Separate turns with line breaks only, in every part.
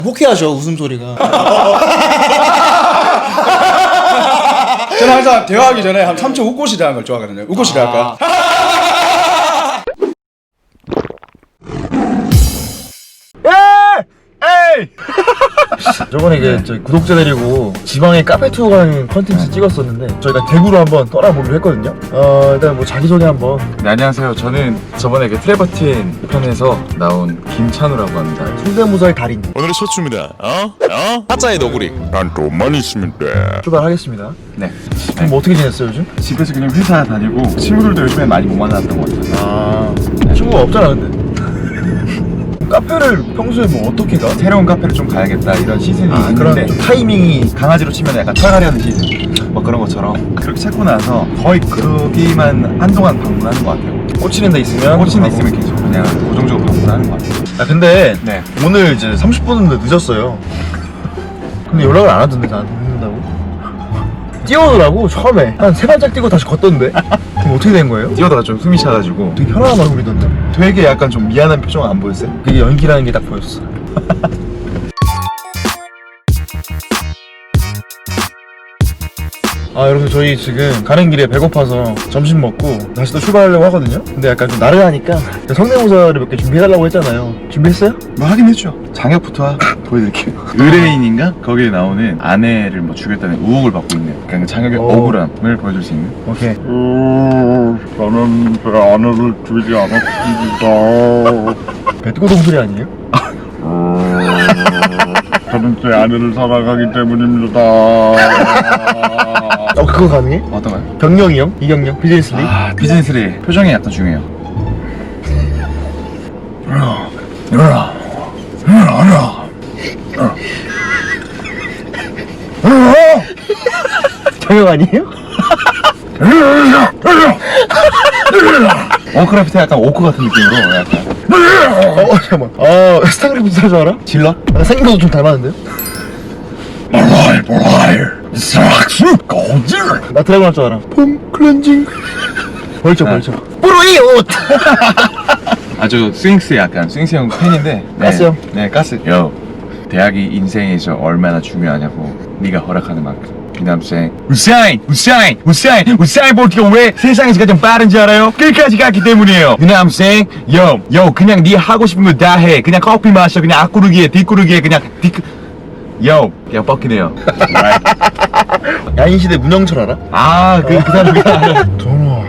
호쾌하죠 웃음소리가.
저는 항상 대화하기 전에 한 3초 웃고 시작하는 걸 좋아하거든요. 웃고 시작할까요?
저번에 이게 저희 구독자 데리고 지방에 카페 투어 가는 컨텐츠 찍었었는데 저희가 대구로 한번 떠나보기로 했거든요. 일단 뭐 자기소개 한번.
네, 안녕하세요. 저는 저번에 그 트레버틴 편에서 나온 김찬우라고 합니다.
성대모사의 달인
오늘의 쇼츠입니다. 타짜의 너구리. 난 돈만 있으면 돼.
출발하겠습니다.
네.
그럼 뭐 어떻게 지냈어요 요즘?
집에서 그냥 회사 다니고 친구들도 요즘에 많이 못 만났던 것 같아요.
친구가 없잖아 근데. 카페를 평소에 뭐 어떻게 가?
새로운 카페를 좀 가야겠다 이런 시즌이
그런
있는데
좀 타이밍이
강아지로 치면 약간 털갈이하는 시즌 뭐 그런 것처럼 그렇게 찾고 나서 거의 거기만 한동안 방문하는 것 같아요.
꽂히는 데 있으면
꽂힌 데 있으면 계속 그냥 고정적으로 방문하는 것 같아요.
근데
네.
오늘 이제 30분 정도 늦었어요. 근데 연락을 안 하던데 나한테 늦는다고? 뛰어오더라고 처음에 한 3발짝 뛰고 다시 걷던데. 그럼 어떻게 된 거예요?
뛰어다가 좀 숨이 차가지고
되게 편안한 얼굴이던데.
되게 약간 좀 미안한 표정 안 보였어요?
그게 연기라는 게 딱 보였어. 여러분 저희 지금 가는 길에 배고파서 점심 먹고 다시 또 출발하려고 하거든요. 근데 약간 좀 나른하니까 성대모사를 몇 개 준비해달라고 했잖아요. 준비했어요?
뭐 하긴 했죠. 장혁부터 보여드릴게요. 의뢰인인가? 거기에 나오는 아내를 뭐 죽였다는 의혹을 받고 있는 그러니까 장혁의 억울함을 보여줄 수 있는.
오케이.
저는 제 아내를 죽이지 않았습니다.
배트고동 소리 아니에요?
저는 제 아내를 사랑하기 때문입니다.
그거 가능해?
어떤 거요?
경영이 형? 이경영? 비즈니스 리?
비즈니스리 표정이 약간 중요해요.
경영 아니에요?
원크래프트 약간 오크 같은 느낌으로 약간
잠깐만. 스타크래프트 살 줄 알아?
질러?
생긴 것도 좀 닮았는데요? 나 드래곤 할 줄 알아. 폼 클렌징. 벌쩍 벌쩍. 뿌로이 옷.
아주 스윙스 약간 스윙스 형 팬인데.
가스 형?
네 가스. 요 대학이 인생에서 얼마나 중요하냐고 네가 허락하는 만큼. 비남생 우사인 볼트가 왜 세상에서 가장 빠른지 알아요? 끝까지 갔기 때문이에요. 비남생 요 그냥 네 하고 싶은 거 다 해. 그냥 커피 마셔. 그냥 앞구르기에 뒷구르기에 그냥 그냥 뻗기네요.
야인시대 문영철 알아?
그 사람
전화.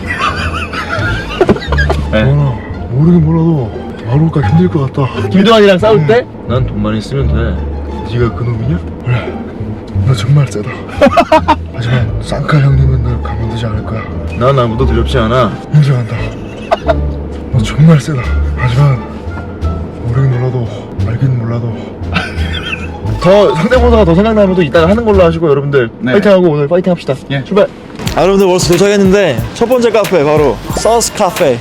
네.
모르긴 몰라도 하루가 힘들 것 같다. 김도환이랑 싸울 때? 난 돈만 있으면 돼. 네가 그 놈이냐? 그래. 너 정말 세다. 하지만 쌍카 형님은 널 가만두지 않을 거야. 난 아무도 두렵지 않아. 인정한다. 너 정말 세다. 하지만 모르긴 몰라도 알긴 몰라도 더 상대보다가 더 생각나면 또 이따가 하는 걸로 하시고 여러분들
네.
파이팅하고 오늘 파이팅 합시다.
예.
출발. 여러분들 벌써 도착했는데 첫 번째 카페 바로 서스 카페.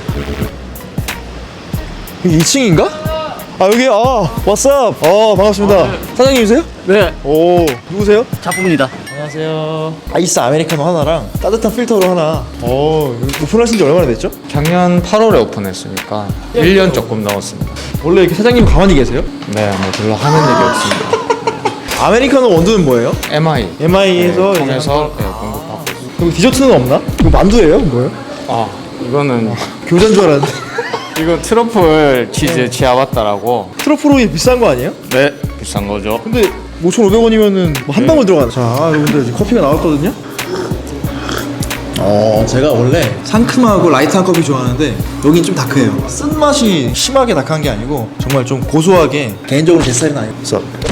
여기 2층인가? 여기 왓츠업. 반갑습니다. 사장님이세요?
네.
오, 누구세요?
작품입니다. 안녕하세요.
아이스 아메리카노 하나랑 따뜻한 필터로 하나. 오픈하신 지 얼마나 됐죠?
작년 8월에 오픈했으니까 1년 조금 넘었습니다.
원래 이렇게 사장님 가만히 계세요?
네, 뭐 별로 하는 얘기 없습니다.
아메리카노 원두는 뭐예요?
MI에서
MI에서
통해서 공급하고 있습니다.
그리고 디저트는 없나? 이거 만두예요? 뭐예요?
이거는
교자인 줄 알았는데.
이거 트러플 치즈 치아바타라고.
트러플 오일 비싼 거 아니에요?
네, 비싼 거죠.
근데 5,500원이면은 한 방울 들어가네. 자, 여러분들 지금 커피가 나왔거든요. 제가 원래 상큼하고 라이트한 커피 좋아하는데 여긴 좀 다크해요. 쓴맛이 심하게 다크한 게 아니고 정말 좀 고소하게. 개인적으로 제 스타일은 아니고.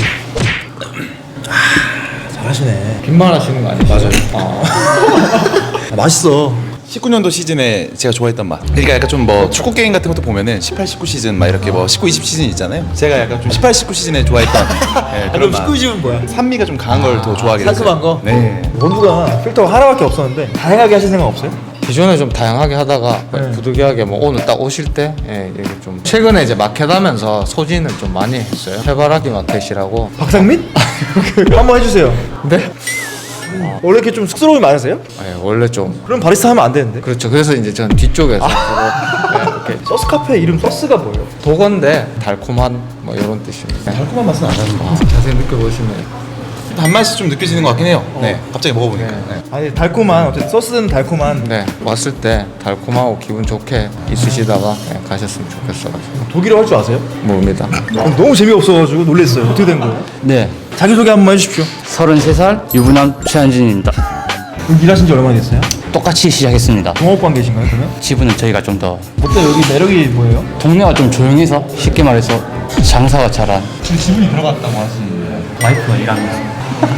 잘하시네.
빈말 하시는 거 아니죠? 맞아요.
맛있어.
19년도 시즌에 제가 좋아했던 맛. 그러니까 약간 좀 뭐 축구 게임 같은 것도 보면은 18, 19 시즌 막 이렇게 뭐 19, 20 시즌 있잖아요. 제가 약간 좀 18, 19 시즌에 좋아했던
그럼
그런 맛.
19집은 뭐야?
산미가 좀 강한 걸 더 좋아하게 됐어요.
상큼한 거?
네.
원두가 필터가 하나밖에 없었는데 다양하게 하실 생각 없어요?
기존에 좀 다양하게 하다가
네.
부득이하게 뭐 오늘 딱 오실 때 이게 좀 최근에 이제 마켓 하면서 소진을 좀 많이 했어요. 해바라기 마켓이라고.
박상민? 한번 해주세요.
네?
원래 이렇게 좀 쑥스러움이 많으세요?
원래 좀
그럼 바리스타 하면 안 되는데.
그렇죠. 그래서 이제 전 뒤쪽에서 주로 이렇게
소스 카페 이름 소스가 뭐예요?
도건데 달콤한 뭐 이런 뜻입니다.
달콤한 맛은 안 나는 거.
자세히 느껴보시면
단맛이 좀 느껴지는 것 같긴 해요. 네, 갑자기 먹어보니까. 네.
아니 달콤한 어쨌든 소스는 달콤한.
네 왔을 때 달콤하고 기분 좋게 있으시다가 네, 가셨으면 좋겠어가지고
독일어 할 줄 아세요?
모릅니다.
너무 재미없어가지고 놀랐어요. 어떻게 된 거예요?
네,
자기소개 한 번만 해주십시오.
33살 유부남 최한진입니다.
그럼 일하신 지 얼마나 됐어요?
똑같이 시작했습니다.
동업관계신가요 그러면?
지분은 저희가 좀 더
어때 여기 매력이 뭐예요?
동네가 좀 조용해서 쉽게 말해서 장사가 잘한
지금 지분이 들어갔다고 하시는데 와이프가 일하면서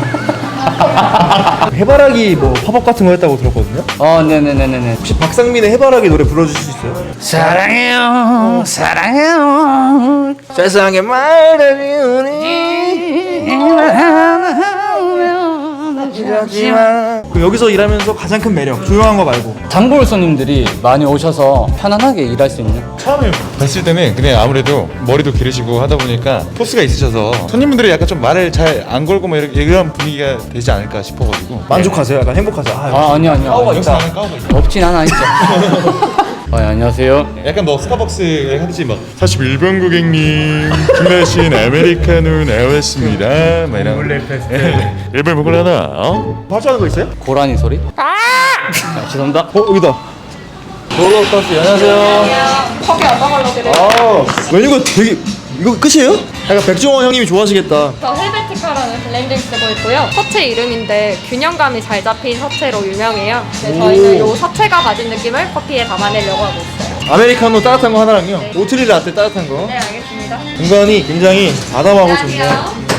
해바라기 뭐 팝업 같은 거 했다고 들었거든요?
네네네네네.
혹시 박상민의 해바라기 노래 불러주실 수 있어요?
사랑해요 사랑해요
세상에 말들이 그 여기서 일하면서 가장 큰 매력 조용한 거 말고
단골 손님들이 많이 오셔서 편안하게 일할 수 있는
처음에 뵀을 때는 그냥 아무래도 머리도 기르시고 하다 보니까 포스가 있으셔서 손님분들이 약간 좀 말을 잘 안 걸고 뭐 이런 분위기가 되지 않을까 싶어가지고.
만족하세요? 약간 행복하세요?
아니요
까오가 여기서 나는 까오가 있어.
없진 않아 있죠. 안녕하세요.
약간 뭐 스타벅스에 하듯이 막 41번 고객님 주문하신 아메리카노 나왔습니다 막 이런 일본 먹으러 하나 어?
발주하는 거 있어요?
고라니 소리? 죄송합니다.
여기다 롤러 커피 안녕하세요.
커피 어떤 걸로 드릴까요?
아 메뉴가 되게 이거 끝이에요? 약간 백종원 형님이 좋아하시겠다.
저 헬베티카라는 블렌딩 쓰고 있고요. 서체 이름인데 균형감이 잘 잡힌 서체로 유명해요. 네, 저희는 이 서체가 가진 느낌을 커피에 담아내려고 하고 있어요.
아메리카노 따뜻한 거 하나랑요. 오트리 라떼 따뜻한 거.
네, 알겠습니다.
공간이 굉장히 아담하고 좋네요.
안녕하세요.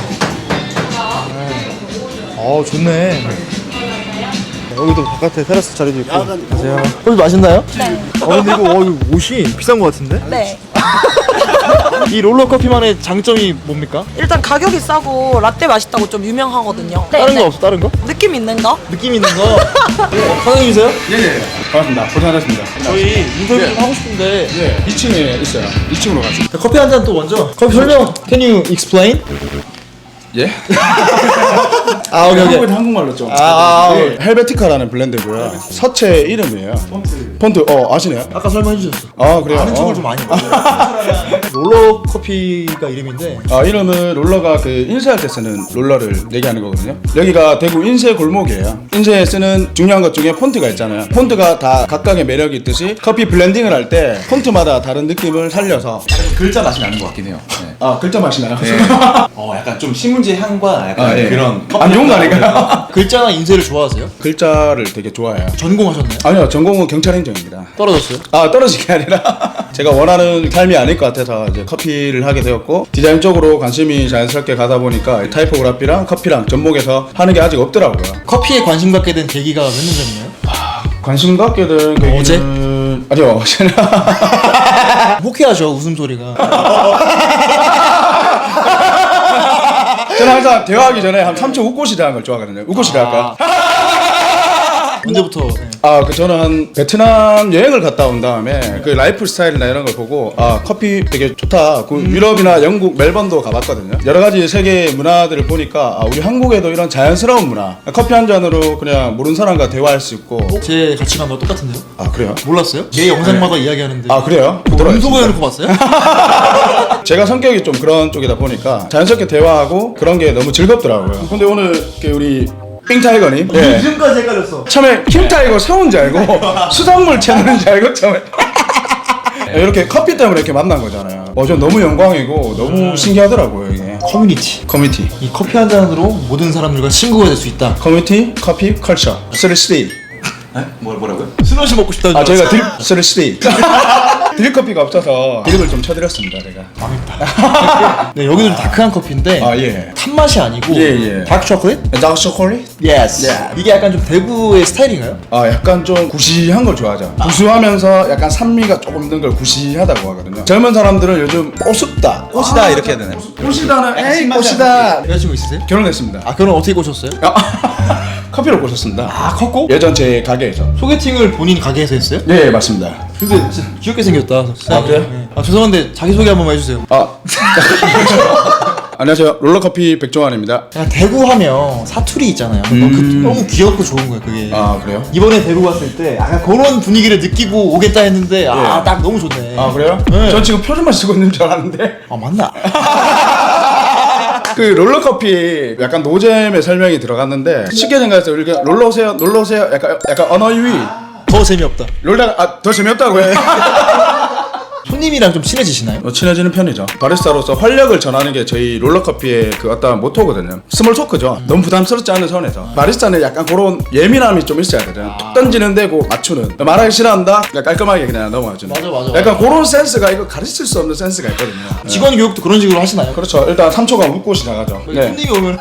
좋네. 여기도 바깥에 테라스 자리도 있고. 안녕하세요. 커피 맛있나요? 네. 근데 이거 옷이 비싼 거 같은데?
네.
이 롤러 커피만의 장점이 뭡니까?
일단 가격이 싸고 라떼 맛있다고 좀 유명하거든요.
다른 거 없어? 다른 거?
느낌 있는 거?
느낌 있는 거. 사장님이세요?
네네 반갑습니다. 고생하셨습니다.
저희 인터뷰 좀 하고 싶은데
네 2층에 있어요. 2층으로 가죠.
커피 한 잔 또 먼저. 커피 설명. Can you explain?
예?
오케이.
한국에도 한국말로 좀. 네, 헬베티카라는 블렌드고요. 서체 이름이에요. 폰트 아시네요?
아까 설명해 주셨어.
그래요.
아는 척을 좀 많이 해요. 롤러 커피가 이름인데
이름은 롤러가 그 인쇄할 때 쓰는 롤러를 얘기하는 거거든요. 여기가 대구 인쇄 골목이에요. 인쇄에 쓰는 중요한 것 중에 폰트가 있잖아요. 폰트가 다 각각의 매력이 있듯이 커피 블렌딩을 할 때 폰트마다 다른 느낌을 살려서
글자 맛이 나는 것 같긴 해요. 네.
글자 맛이 나요.
약간 좀 신문지 향과 약간
예.
그런
안 좋은 거 아닌가요?
글자나 인쇄를 좋아하세요?
글자를 되게 좋아해요.
전공하셨나요?
아니요, 전공은 경찰 행정입니다.
떨어졌어요?
떨어진 게 아니라 제가 원하는 삶이 아닐 것 같아서 이제 커피를 하게 되었고 디자인 쪽으로 관심이 자연스럽게 가다 보니까 타이포그래피랑 커피랑 접목해서 하는 게 아직 없더라고요.
커피에 관심 갖게 된 계기가 몇 년 전이나요?
관심 갖게 된 계기는
어제?
아니요, 어제는
호쾌하죠 웃음소리가.
저는 항상 대화하기 전에 한 3초 웃고 시작하는 걸 좋아하거든요. 웃고 시작할까요?
언제부터?
저는 한 베트남 여행을 갔다 온 다음에 그 라이프 스타일이나 이런 걸 보고 커피 되게 좋다. 그 유럽이나 영국 멜번도 가봤거든요. 여러 가지 세계 문화들을 보니까 우리 한국에도 이런 자연스러운 문화, 커피 한 잔으로 그냥 모르는 사람과 대화할 수 있고.
제 가치관과 똑같은데요?
그래요?
몰랐어요? 매 영상마다 이야기하는데.
그래요?
음소거 해놓고 봤어요?
제가 성격이 좀 그런 쪽이다 보니까 자연스럽게 대화하고 그런 게 너무 즐겁더라고요. 근데 오늘 우리 핑타이거님
이름까지 헷갈렸어.
처음에 핑타이거 사온 줄 알고 수산물 채널인 줄 알고 처음에 이렇게 커피 때문에 이렇게 만난 거잖아요. 전 너무 영광이고 너무 신기하더라고요 이게. 커뮤니티
이 커피 한 잔으로 모든 사람들과 친구가 될 수 있다.
커뮤니티 커피 컬처 3스테이.
뭐라고요?
스노시 먹고 싶다는 줄
저희가
알았어.
3스테이 드립커피가 없어서 드립을 좀 쳐드렸습니다 제가.
네, 여기도 좀 다크한 커피인데
예.
탄맛이 아니고
예.
다크 초콜릿?
다크 초콜릿?
예스. 이게 약간 좀 대구의 스타일인가요?
약간 좀 구시한 걸 좋아하죠. 구수하면서 약간 산미가 조금 있는 걸 구시하다고 하거든요. 젊은 사람들은 요즘 꼬습다,
꽃이다 이렇게 해야 되나요?
꼬시다는 에이 꼬시다.
여자친구 있으세요?
결혼했습니다.
결혼 어떻게 꼬셨어요?
커피를 꼬셨습니다.
컸고?
예전 제 가게에서.
소개팅을 본인 가게에서 했어요?
네 맞습니다.
근데 진짜 귀엽게 생겼다.
그래요?
죄송한데 자기소개 한 번만 해주세요.
안녕하세요. 롤러커피 백종환입니다.
그냥 대구 하면 사투리 있잖아요. 너무 귀엽고 좋은 거예요 그게.
아 그래요?
이번에 대구 갔을 때 약간 그런 분위기를 느끼고 오겠다 했는데 아 딱 너무 좋네.
아 그래요?
네.
전 지금 표준말 쓰고 있는 줄 알았는데.
아 맞나?
그 롤러커피 약간 노잼의 설명이 들어갔는데 쉽게 생각해서 우리가 놀러 오세요, 놀러 오세요. 약간 언어 유희.
더 재미없다.
롤다가 더 재미없다고요?
손님이랑 좀 친해지시나요?
친해지는 편이죠. 바리스타로서 활력을 전하는 게 저희 롤러커피의 그 어떤 모토거든요. 스몰 토크죠. 너무 부담스럽지 않은 선에서. 바리스타는 약간 그런 예민함이 좀 있어야 되잖아요. 툭 던지는 데고 맞추는. 말하기 싫어한다? 그냥 깔끔하게 그냥 넘어가주는.
맞아.
약간 그런 센스가 이거 가르칠 수 없는 센스가 있거든요.
직원 교육도 그런 식으로 하시나요?
그렇죠. 일단 3초간 웃고 시작하죠. 네.
손님이 오면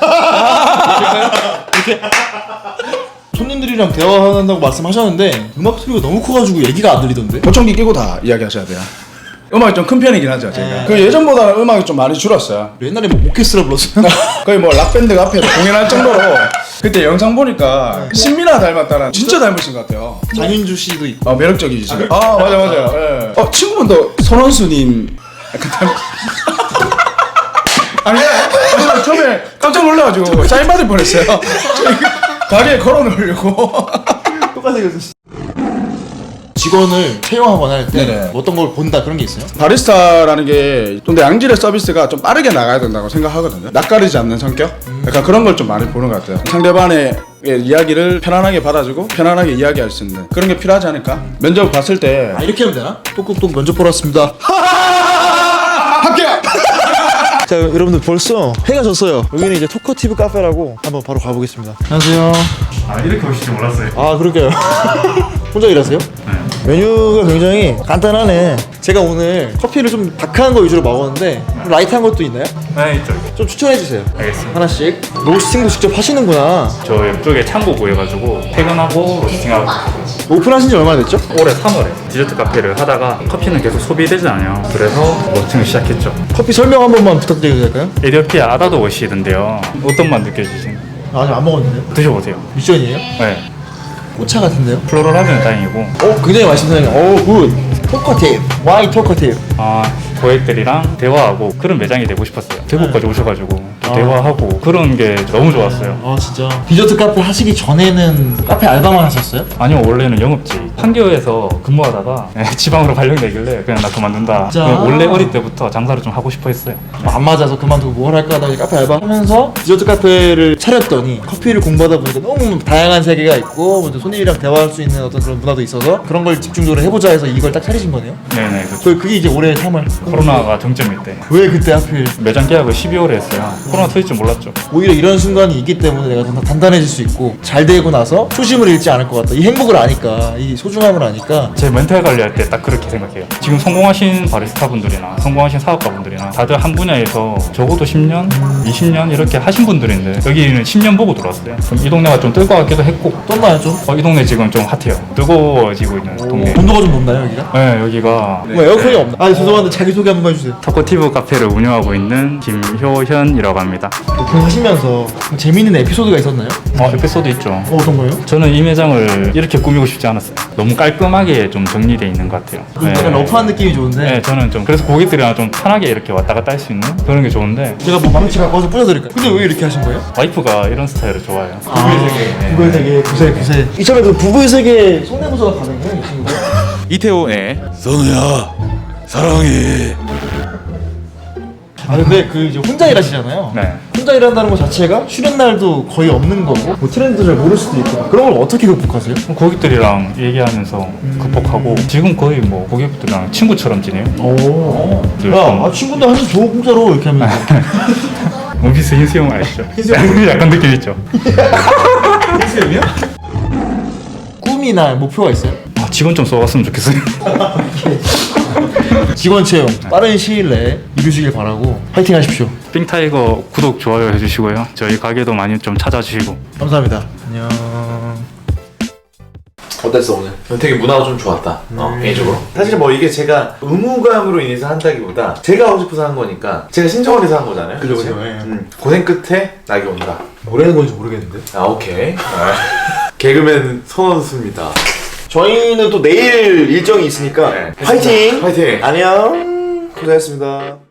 이렇게 손님들이랑 대화한다고 말씀하셨는데 음악 소리가 너무 커가지고 얘기가 안 들리던데.
보청기 끼고 다 이야기하셔야 돼요. 음악이 좀 큰 편이긴 하죠, 제가. 그 예전보다는 음악이 좀 많이 줄었어요.
옛날에 뭐 오케스트라 불렀어요.
거의 뭐 락밴드가 앞에 공연할 정도로. 그때 영상 보니까 신민아 닮았다는 진짜 닮으신 것 같아요.
장윤주 씨도 있고.
매력적이지 지금. 맞아요. 예. 친구분도 손원수님 약간 닮. 아니, 처음에 깜짝 놀라가지고 사인 받을 뻔했어요. 가게에 걸어놓으려고.
똑같이 생겼어. 직원을 채용하거나 할 때 어떤 걸 본다 그런 게 있어요?
바리스타라는 게 근데 양질의 서비스가 좀 빠르게 나가야 된다고 생각하거든요. 낯가리지 않는 성격? 약간 그런 걸 좀 많이 보는 것 같아요. 상대방의 이야기를 편안하게 받아주고 편안하게 이야기할 수 있는 그런 게 필요하지 않을까? 면접 봤을 때
이렇게 하면 되나? 똑똑똑 면접 보러 왔습니다.
합격!
자 여러분들 벌써 해가 졌어요. 여기는 이제 토커티브 카페라고 한번 바로 가보겠습니다. 안녕하세요.
이렇게 오실 줄 몰랐어요.
아 그러게요. 혼자 일하세요? 네. 메뉴가 굉장히 간단하네. 제가 오늘 커피를 좀 다크한 거 위주로 먹었는데 라이트한 것도 있나요?
네, 있죠.
좀 추천해 주세요.
알겠습니다.
하나씩. 로스팅도 직접 하시는구나.
저 옆쪽에 창고 구해가지고 퇴근하고 로스팅하고
오픈하신 지 얼마나 됐죠?
올해 3월에 디저트 카페를 하다가 커피는 계속 소비되잖아요. 그래서 로스팅을 시작했죠.
커피 설명 한 번만 부탁드려도 될까요?
에디오피아 아다도 워시던데요. 어떤 맛 느껴지시나요?
아직 안 먹었는데요?
드셔보세요.
미션이에요?
네.
꽃차 같은데요?
플로럴하면 다행이고
굉장히 맛있네요. 굿. 토커티브. 와이 토커티브.
고객들이랑 대화하고 그런 매장이 되고 싶었어요. 대구까지 오셔가지고 또 대화하고 그런 게 너무 좋았어요.
진짜. 디저트 카페 하시기 전에는 카페 알바만 하셨어요?
아니요, 원래는 영업직 판교에서 근무하다가 지방으로 발령되길래 그냥 나 그만둔다.
진짜?
원래 어릴 때부터 장사를 좀 하고 싶어 했어요.
안 맞아서 그만두고 뭘 할까 하다가 카페 알바하면서 디저트 카페를 차렸더니 커피를 공부하다 보니까 너무 다양한 세계가 있고 먼저 손님이랑 대화할 수 있는 어떤 그런 문화도 있어서 그런 걸 집중적으로 해보자 해서 이걸 딱 차리신 거네요?
네네. 그렇죠.
그게 이제 올해 3월.
코로나가 정점일 때
왜 그때 하필?
매장 계약을 12월에 했어요. 코로나 터질 줄 몰랐죠.
오히려 이런 순간이 있기 때문에 내가 좀 더 단단해질 수 있고 잘 되고 나서 초심을 잃지 않을 것 같다. 이 행복을 아니까, 이 소중함을 아니까.
제 멘탈 관리할 때 딱 그렇게 생각해요. 지금 성공하신 바리스타 분들이나 성공하신 사업가 분들이나 다들 한 분야에서 적어도 10년, 20년 이렇게 하신 분들인데 여기는 10년 보고 들어왔어요. 그럼 이 동네가 좀 뜰 것 같기도 했고
떴나요 좀?
이 동네 지금 좀 핫해요. 뜨거워지고 있는 동네.
온도가 좀 높나요 여기가?
네, 여기가
뭐 에어컨이 없나? 죄송한데 자기소개 한 번만 해주세요.
토커티브 카페를 운영하고 있는 김효현이라고 합니다.
오픈하시면서 재미있는 에피소드가 있었나요?
에피소드 있죠.
어떤 거요?
저는 이 매장을 이렇게 꾸미고 싶지 않았어요. 너무 깔끔하게 좀 정리되어 있는 것 같아요.
약간 러프한 느낌이 좋은데.
네, 저는 좀 그래서 고객들이랑 좀 편하게 이렇게 왔다 갔다 할 수 있는 그런 게 좋은데
제가 뭐 망치 갖고 와서 뿌려드릴까요? 근데 왜 이렇게 하신 거예요?
와이프가 이런 스타일을 좋아해요. 부부의 세계. 네.
부부의 세계, 구세. 이참에 그 부부의 세계 성대모사가 가능해요, 이 친구?
이태호의 선우야 사랑해.
근데 그 이제 혼자 일하시잖아요.
네.
혼자 일한다는 것 자체가 쉬는 날도 거의 없는 거고 뭐 트렌드 잘 모를 수도 있고 그런 걸 어떻게 극복하세요?
고객들이랑 얘기하면서 극복하고 지금 거의 뭐 고객들이랑 친구처럼 지내요.
오.
늘
야,
좀-
친구인데 한잔 줘 공짜로 이렇게 하면.
원피스 흰수염 아시죠? 약간 느낌 있죠?
흰수염이요? 꿈이나 목표가 있어요?
직원 좀 써왔으면 좋겠어요.
직원 채용 빠른 시일 내에 이루시길 바라고 파이팅 하십시오.
핑타이거 구독 좋아요 해주시고요. 저희 가게도 많이 좀 찾아주시고.
감사합니다. 안녕.
어땠어 오늘? 되게 문화가 좀 좋았다. 개인적으로. 사실 뭐 이게 제가 의무감으로 인해서 한다기보다 제가 하고 싶어서 한 거니까 제가 신청을 해서 한 거잖아요.
그죠.
그치? 고생 끝에 낙이 온다.
뭐라는 건지 모르겠는데.
오케이. 개그맨 손원수입니다.
저희는 또 내일 일정이 있으니까
네.
파이팅.
파이팅.
안녕. 고생했습니다.